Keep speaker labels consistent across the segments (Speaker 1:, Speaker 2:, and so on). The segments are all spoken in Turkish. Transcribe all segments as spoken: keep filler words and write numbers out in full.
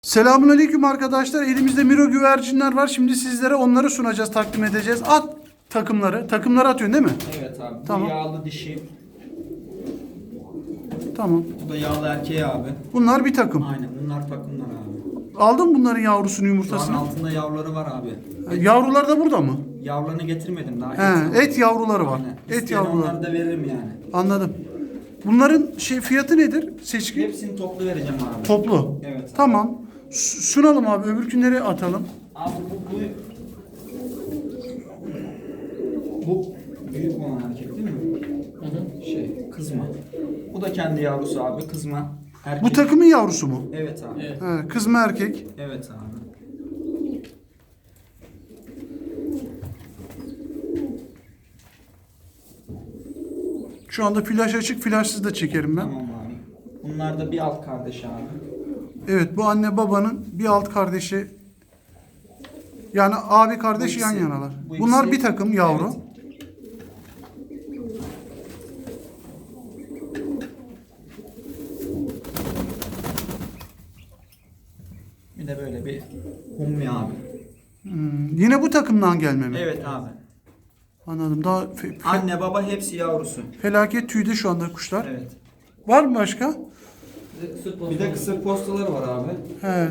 Speaker 1: Selamünaleyküm arkadaşlar. Elimizde Miro güvercinler var. Şimdi sizlere onları sunacağız, takdim edeceğiz. At takımları. Takımları atıyorsun değil mi?
Speaker 2: Evet abi.
Speaker 1: Tamam.
Speaker 2: Bu yağlı dişi.
Speaker 1: Tamam.
Speaker 2: Bu da yağlı erkeği abi.
Speaker 1: Bunlar bir takım.
Speaker 2: Aynen. Bunlar takımlar abi.
Speaker 1: Aldın bunların yavrusunu,
Speaker 2: Şu an
Speaker 1: yumurtasını.
Speaker 2: altında yavruları var abi. Et,
Speaker 1: Yavrular da burada mı?
Speaker 2: yavrularını getirmedim daha.
Speaker 1: He, et yavruları var.
Speaker 2: Aynen.
Speaker 1: Et
Speaker 2: İsteyen
Speaker 1: yavruları.
Speaker 2: onları da veririm yani.
Speaker 1: Anladım. Bunların şey fiyatı nedir? Seçkin.
Speaker 2: Hepsini toplu vereceğim abi.
Speaker 1: Toplu.
Speaker 2: Evet.
Speaker 1: Tamam. S- Sunalım abi. Öbürkünleri atalım.
Speaker 2: Abi bu, bu bu büyük olan erkek değil mi? Hı hı. Şey kızma. Bu da kendi yavrusu abi kızma. Erkek.
Speaker 1: Bu takımın yavrusu mu?
Speaker 2: Evet abi. Evet,
Speaker 1: He, kız mı erkek?
Speaker 2: evet abi.
Speaker 1: Şu anda flash açık, flashsız da çekerim ben.
Speaker 2: Tamam abi. Bunlar da bir alt kardeş abi.
Speaker 1: Evet, bu anne babanın bir alt kardeşi, yani abi kardeş
Speaker 2: Bu
Speaker 1: yan
Speaker 2: ikisi-
Speaker 1: yanalar.
Speaker 2: bu
Speaker 1: Bunlar
Speaker 2: ikisi-
Speaker 1: bir takım yavru.
Speaker 2: Evet. Bir de böyle bir hummi abi.
Speaker 1: Hmm, Yine bu takımdan gelme mi?
Speaker 2: Evet abi.
Speaker 1: Anladım. Daha fe- fe-
Speaker 2: Anne baba hepsi yavrusu.
Speaker 1: felaket tüyde şu anda kuşlar.
Speaker 2: Evet.
Speaker 1: Var mı başka?
Speaker 2: Bir de kısır postaları var abi.
Speaker 1: He.
Speaker 2: Ee,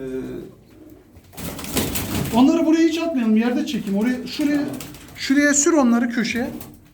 Speaker 1: Onları buraya hiç atmayalım. Yerde çekeyim. Oraya, şuraya, şuraya sür onları köşeye.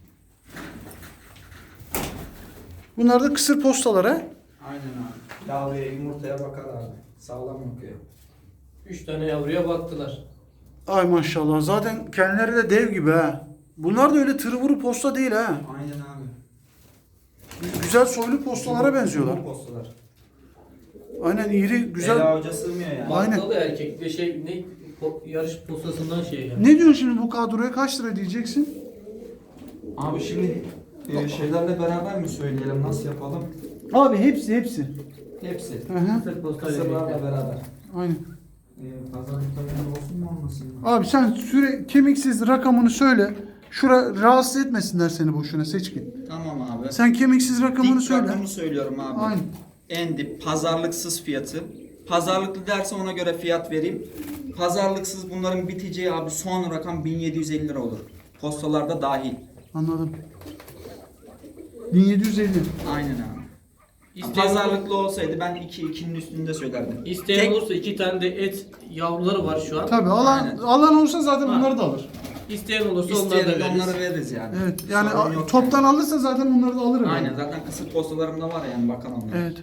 Speaker 1: Bunlar da kısır postaları. he?
Speaker 2: aynen abi. Yavruya yumurtaya bakar abi. Sağlam bakıyor.
Speaker 3: Üç tane yavruya baktılar.
Speaker 1: Ay maşallah. Zaten kendileri de dev gibi ha. Bunlar da öyle tırvuru posta değil ha.
Speaker 2: Aynen abi.
Speaker 1: Güzel soylu postalara benziyorlar.
Speaker 2: Bu postalar.
Speaker 1: Aynen iri, güzel.
Speaker 2: El avuca sığmıyor yani.
Speaker 1: Aynen.
Speaker 3: Bakkalı erkek ve şey ne po- yarış postasından şey yani.
Speaker 1: Ne diyorsun şimdi bu kadroya kaç lira diyeceksin?
Speaker 2: Abi şimdi e, şeylerle beraber mi söyleyelim? Nasıl yapalım?
Speaker 1: Abi hepsi hepsi.
Speaker 2: Hepsi.
Speaker 1: Hı hı.
Speaker 3: Kısır postayla
Speaker 2: Kısırlarla
Speaker 3: birlikte.
Speaker 2: beraber.
Speaker 1: Aynen.
Speaker 2: Ee, pazarlıkta benim olsun mu olmasın mı?
Speaker 1: Abi sen süre kemiksiz rakamını söyle. Şura rahatsız etmesinler seni boşuna seçkin.
Speaker 2: Tamam abi.
Speaker 1: Sen kemiksiz rakamını
Speaker 2: Dik
Speaker 1: söyle.
Speaker 2: rakamı söylüyorum abi.
Speaker 1: Aynen.
Speaker 2: En dip pazarlıksız fiyatı. Pazarlıklı derse ona göre fiyat vereyim. Pazarlıksız bunların biteceği abi son rakam bin yedi yüz elli lira olur. Postalarda dahil.
Speaker 1: Anladım. bin yedi yüz elli.
Speaker 2: Aynen abi.
Speaker 3: İsteyen,
Speaker 2: Pazarlıklı olsaydı ben iki ikinin üstünde söylerdim.
Speaker 3: isteyen
Speaker 2: Tek-
Speaker 3: olursa iki tane de et yavruları var şu an.
Speaker 1: Tabii alan
Speaker 2: Aynen.
Speaker 1: alan olsa zaten
Speaker 3: Ha.
Speaker 1: bunları da alır.
Speaker 3: İsteyen olursa onları da
Speaker 2: İsteyelim
Speaker 3: veririz.
Speaker 2: onları veririz yani.
Speaker 1: Evet. Yani
Speaker 2: Sorun
Speaker 1: a-
Speaker 2: yok
Speaker 1: toptan
Speaker 2: yani.
Speaker 1: alırsa zaten bunları da alırım.
Speaker 2: Aynen
Speaker 1: yani.
Speaker 2: zaten kısır postalarımda var yani bakan onlara.
Speaker 1: Evet.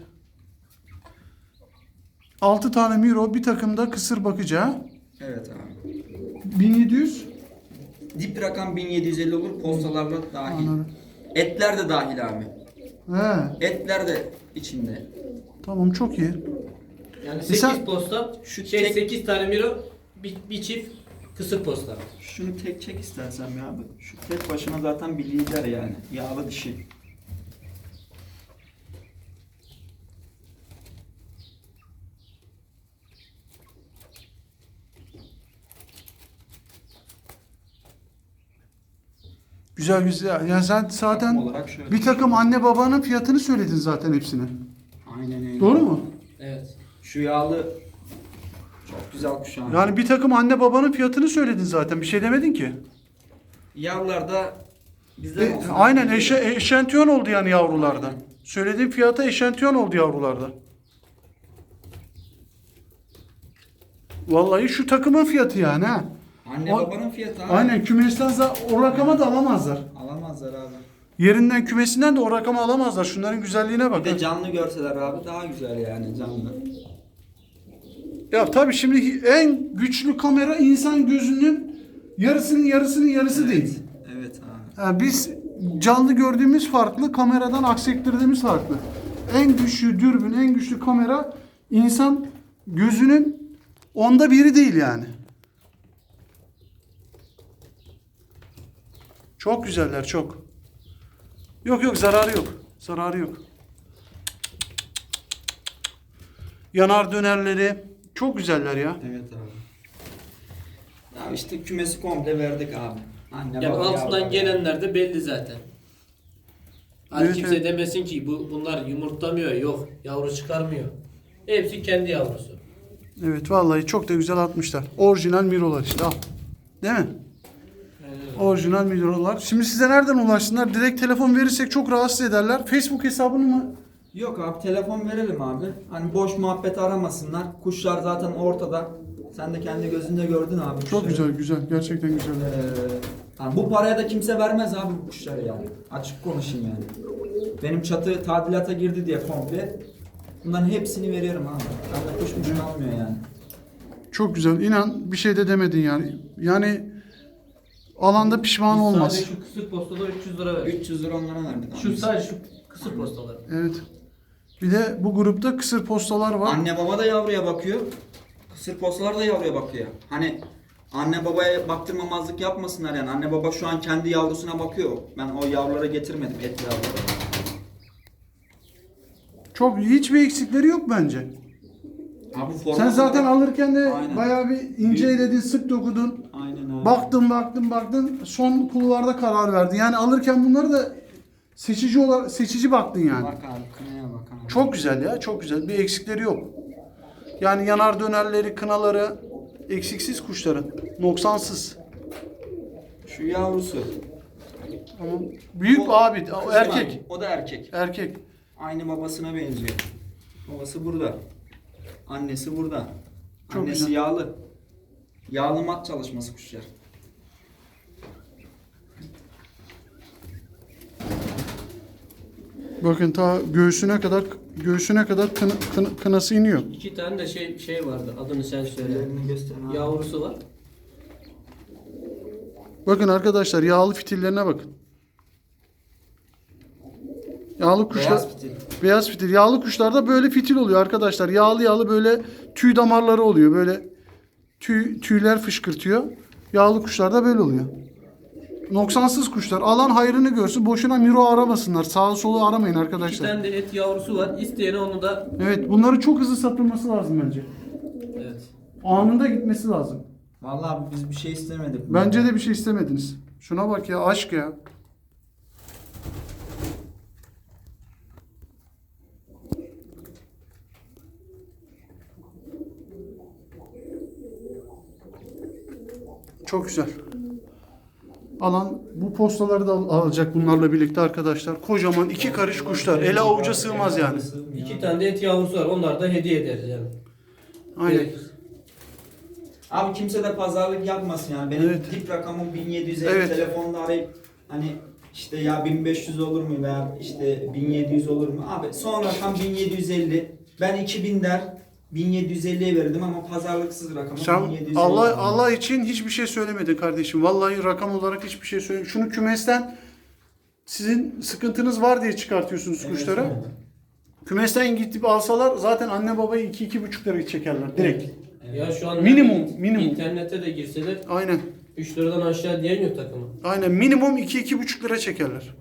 Speaker 1: altı tane Miro, bir takımda kısır bakıcı.
Speaker 2: Evet abi.
Speaker 1: bin yedi yüz.
Speaker 2: Dip rakam bin yedi yüz elli olur postalarla dahil.
Speaker 1: Anladım.
Speaker 2: Etler de dahil abi.
Speaker 1: He.
Speaker 2: Etler de içinde.
Speaker 1: Tamam, çok iyi.
Speaker 3: Yani
Speaker 1: Mesela-
Speaker 3: sekiz posta,
Speaker 2: Şu
Speaker 3: şey
Speaker 2: tek-
Speaker 3: sekiz tane miro, bir, bir çift kısır posta.
Speaker 2: Şunu tek çek istersen ya abi. Şu tek başına zaten bir lider yani. Yağlı dişi.
Speaker 1: Güzel güzel. Yani sen zaten
Speaker 2: Takım olarak şöyle.
Speaker 1: bir takım anne babanın fiyatını söyledin zaten hepsine.
Speaker 2: Aynen öyle.
Speaker 1: Doğru mu?
Speaker 3: Evet.
Speaker 2: Şu yağlı çok güzel kuşağın.
Speaker 1: Yani bir takım anne babanın fiyatını söyledin zaten. Bir şey demedin ki.
Speaker 2: Yavrular da bizden
Speaker 1: E,
Speaker 2: olsun.
Speaker 1: aynen eşe, eşantiyon oldu yani yavrularda. Söylediğin fiyata eşantiyon oldu yavrularda. Vallahi şu takımın fiyatı yani ha.
Speaker 2: Anne
Speaker 1: O-
Speaker 2: babanın fiyatı abi.
Speaker 1: Aynen, kümesten za- o rakama da alamazlar.
Speaker 2: Alamazlar abi.
Speaker 1: Yerinden, kümesinden de o rakama alamazlar. Şunların güzelliğine
Speaker 2: Bir
Speaker 1: bak.
Speaker 2: de
Speaker 1: ha.
Speaker 2: canlı görseler abi daha güzel yani canlı.
Speaker 1: Ya tabii şimdi en güçlü kamera insan gözünün yarısının yarısının yarısı
Speaker 2: Evet.
Speaker 1: değil.
Speaker 2: Evet abi.
Speaker 1: Yani biz canlı gördüğümüz farklı, kameradan aksettirdiğimiz farklı. En güçlü dürbün, en güçlü kamera insan gözünün onda biri değil yani. Çok güzeller, çok. Yok yok, zararı yok. Zararı yok. Yanar dönerleri çok güzeller ya.
Speaker 2: Evet abi. Ya işte kümesi komple verdik abi. Anne
Speaker 3: Yani
Speaker 2: baba
Speaker 3: altından
Speaker 2: yavru.
Speaker 3: gelenler de belli zaten. Hani
Speaker 1: Evet,
Speaker 3: kimse
Speaker 1: evet.
Speaker 3: demesin ki bu bunlar yumurtlamıyor, yok yavru çıkarmıyor. Hepsi kendi yavrusu.
Speaker 1: Evet vallahi çok da güzel atmışlar. Orijinal mirolar işte al. Değil mi? Orijinal mirolar. Şimdi size nereden ulaşsınlar? Direkt telefon verirsek çok rahatsız ederler. Facebook hesabını mı?
Speaker 2: Yok abi telefon verelim abi. Hani boş muhabbet aramasınlar. Kuşlar zaten ortada. Sen de kendi gözünde gördün abi.
Speaker 1: Çok
Speaker 2: kuşları.
Speaker 1: güzel güzel. Gerçekten güzel.
Speaker 2: Ee, hani bu paraya da kimse vermez abi bu kuşları yani. Açık konuşayım yani. Benim çatı tadilata girdi diye komple. Bunların hepsini veriyorum abi. Ben de kuş mucun almıyor yani.
Speaker 1: Çok güzel. İnan bir şey de demedin yani. Yani alanda pişman
Speaker 3: Biz
Speaker 1: olmaz.
Speaker 3: Sadece şu kısır postada üç yüz lira verdik.
Speaker 2: üç yüz lira onlara verdik abi.
Speaker 3: Şu sadece şu kısır postalar.
Speaker 1: Evet. Bir de bu grupta kısır postalar var.
Speaker 2: Anne baba da yavruya bakıyor. Kısır postalar da yavruya bakıyor. Hani anne babaya baktırmamazlık yapmasınlar yani. Anne baba şu an kendi yavrusuna bakıyor. Ben o yavrulara getirmedim et yavruları.
Speaker 1: Çok hiçbir eksikleri yok bence.
Speaker 2: Abi forma
Speaker 1: Sen zaten alırken de
Speaker 2: Aynen.
Speaker 1: bayağı bir inceledin, sık dokudun.
Speaker 2: Aynen abi.
Speaker 1: Baktın, baktın, baktın. Son kulvarda karar verdin. Yani alırken bunları da seçici olarak seçici baktın yani.
Speaker 2: Bak abi kınaya bak abi.
Speaker 1: Çok güzel ya, çok güzel. Bir eksikleri yok. Yani yanar dönerleri, kınaları eksiksiz kuşların. Noksansız.
Speaker 2: Şu yavrusu.
Speaker 1: Ama büyük
Speaker 2: O-
Speaker 1: abi, o
Speaker 2: kızım
Speaker 1: erkek.
Speaker 2: abi, O da erkek.
Speaker 1: Erkek.
Speaker 2: Aynı babasına benziyor. Babası burada. Annesi burada.
Speaker 1: Çok
Speaker 2: Annesi
Speaker 1: güzel.
Speaker 2: yağlı. Yağlı mat çalışması kuşlar.
Speaker 1: Bakın ta göğsüne kadar göğsüne kadar kına, kına- kınası iniyor.
Speaker 3: İki tane de şey şey vardı. Adını sen söyle.
Speaker 2: Ellerini göster abi.
Speaker 3: Yavrusu var.
Speaker 1: Bakın arkadaşlar yağlı fitillerine bakın. Yağlı kuşlar
Speaker 2: Beyaz fitil.
Speaker 1: beyaz fitil. Yağlı kuşlarda böyle fitil oluyor arkadaşlar. Yağlı yağlı böyle tüy damarları oluyor. Böyle tüy tüyler fışkırtıyor. Yağlı kuşlarda böyle oluyor. Noksansız kuşlar. Alan hayrını görsün. Boşuna miro aramasınlar. Sağı solu aramayın
Speaker 3: İki
Speaker 1: arkadaşlar.
Speaker 3: tane de et yavrusu var. İsteyene onu da
Speaker 1: Evet, bunların çok hızlı satılması lazım bence.
Speaker 3: evet.
Speaker 1: Anında gitmesi lazım.
Speaker 2: Vallahi abi biz bir şey istemedik.
Speaker 1: Bence de bir şey istemediniz. Şuna bak ya, aşk ya. Çok güzel. Alan bu postaları da al- alacak bunlarla birlikte arkadaşlar. Kocaman iki karış kuşlar. Ele avuca sığmaz yani.
Speaker 3: İki tane de et yavrusu var. Onlar da hediye ederiz yani.
Speaker 1: Aynen.
Speaker 3: Direkt.
Speaker 2: Abi kimse de pazarlık yapmasın yani. Benim
Speaker 1: Evet.
Speaker 2: dip rakamım bin yedi yüz elli
Speaker 1: Evet.
Speaker 2: telefonda arayıp hani işte ya bin beş yüz olur mu veya işte bin yedi yüz olur mu? Abi son rakam bin yedi yüz elli. Ben iki bin der bin yedi yüz elliye verirdim ama pazarlıksız rakamı
Speaker 1: Sen
Speaker 2: bin yedi yüz elli.
Speaker 1: Allah Allah için hiçbir şey söylemedin kardeşim. Vallahi rakam olarak hiçbir şey söylemedin. Şunu kümesten sizin sıkıntınız var diye çıkartıyorsunuz
Speaker 2: Evet,
Speaker 1: kuşları.
Speaker 2: evet.
Speaker 1: Kümesten gidip alsalar zaten anne babayı iki iki buçuk lira çekerler direkt.
Speaker 3: Ya şu an
Speaker 1: Minimum, minimum.
Speaker 3: internete de girseler
Speaker 1: Aynen.
Speaker 3: üç liradan aşağı diyen yok takımı.
Speaker 1: Aynen minimum iki iki buçuk lira çekerler.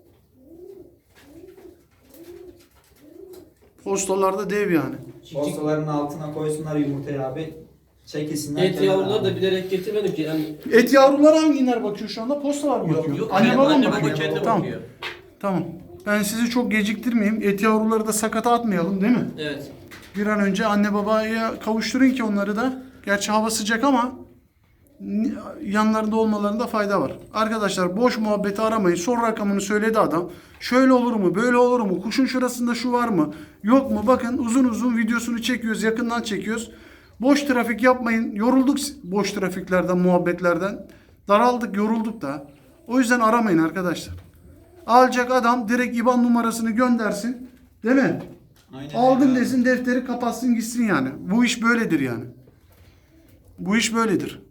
Speaker 1: Postalarda dev yani.
Speaker 2: Postaların altına koysunlar yumurtayı abi. Çekilsinler.
Speaker 3: Et
Speaker 2: kenara
Speaker 3: yavruları
Speaker 2: abi.
Speaker 3: da bilerek getirmedim ki. Yani
Speaker 1: Et yavruları hangiler bakıyor şu anda? Postalar mı bakıyor?
Speaker 3: yok,
Speaker 1: Anne baba mı
Speaker 3: anne
Speaker 1: bakıyor?
Speaker 3: baba kendi
Speaker 1: Tamam.
Speaker 3: bakıyor.
Speaker 1: Tamam. Ben sizi çok geciktirmeyeyim. Et yavruları da sakata atmayalım değil mi?
Speaker 3: Evet.
Speaker 1: Bir an önce anne babaya kavuşturun ki onları da. Gerçi hava sıcak ama ni- yanlarında olmalarında fayda var. Arkadaşlar boş muhabbeti aramayın. Son rakamını söyledi adam. Şöyle olur mu? Böyle olur mu? Kuşun şurasında şu var mı? Yok mu? Bakın uzun uzun videosunu çekiyoruz. Yakından çekiyoruz. Boş trafik yapmayın. Yorulduk boş trafiklerden, muhabbetlerden. Daraldık, yorulduk da. O yüzden aramayın arkadaşlar. Alacak adam direkt I B A N numarasını göndersin. Değil mi?
Speaker 2: Aynen
Speaker 1: Aldım
Speaker 2: öyle.
Speaker 1: desin, defteri kapatsın gitsin yani. Bu iş böyledir yani. Bu iş böyledir.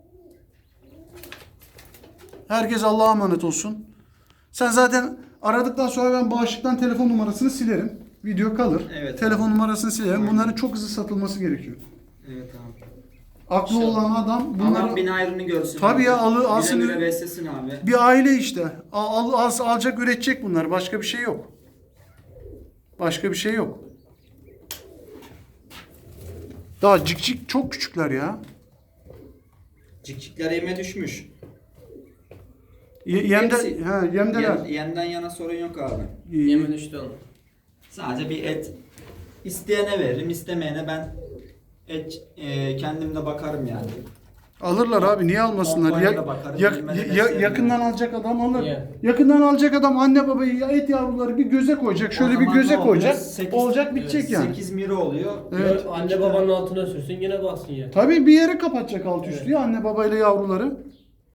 Speaker 1: Herkes Allah'a emanet olsun. Sen zaten aradıktan sonra ben bağışıktan telefon numarasını silerim. Video kalır.
Speaker 2: Evet.
Speaker 1: Telefon numarasını silerim.
Speaker 2: Aynen.
Speaker 1: Bunların çok hızlı satılması gerekiyor.
Speaker 2: Evet abi.
Speaker 1: Aklı
Speaker 2: Şey-
Speaker 1: olan adam
Speaker 2: Allah
Speaker 1: bunları...
Speaker 2: bin ayrını görsün.
Speaker 1: Tabii
Speaker 2: abi.
Speaker 1: ya, alı-
Speaker 2: Güle
Speaker 1: alsın-
Speaker 2: güle beslesin abi.
Speaker 1: Bir aile işte. Al, al, al- alacak, üretecek bunlar. Başka bir şey yok. Başka bir şey yok. Daha cik cik çok küçükler ya.
Speaker 2: Cikcikler yeme düşmüş.
Speaker 1: Ye- Yemde,
Speaker 2: Hepsi-
Speaker 1: ha, yemdeler.
Speaker 2: Yem, yemden yana sorun yok abi.
Speaker 1: İyi.
Speaker 3: Yemen düştü onu.
Speaker 2: Sadece bir et. İsteyene veririm, istemeyene ben et e, kendim de bakarım yani.
Speaker 1: Alırlar abi, niye almasınlar?
Speaker 2: Pompaya
Speaker 1: Ya,
Speaker 2: da bakarım,
Speaker 1: ya-
Speaker 2: bilmem ne
Speaker 1: ya-
Speaker 2: beslerim
Speaker 1: yakından
Speaker 2: yani.
Speaker 1: alacak adam alır.
Speaker 3: Yani.
Speaker 1: Yakından alacak adam anne babayı ya et yavruları bir göze koyacak. Şöyle
Speaker 2: O
Speaker 1: bir
Speaker 2: zaman
Speaker 1: göze
Speaker 2: ne oluyor?
Speaker 1: koyacak.
Speaker 2: Sekiz-
Speaker 1: olacak bitecek yani.
Speaker 2: sekiz miri oluyor.
Speaker 1: Evet.
Speaker 3: Anne babanın altına sürsün yine baksın ya.
Speaker 1: Tabii bir yere kapatacak alt üstü ya anne babayla yavruları.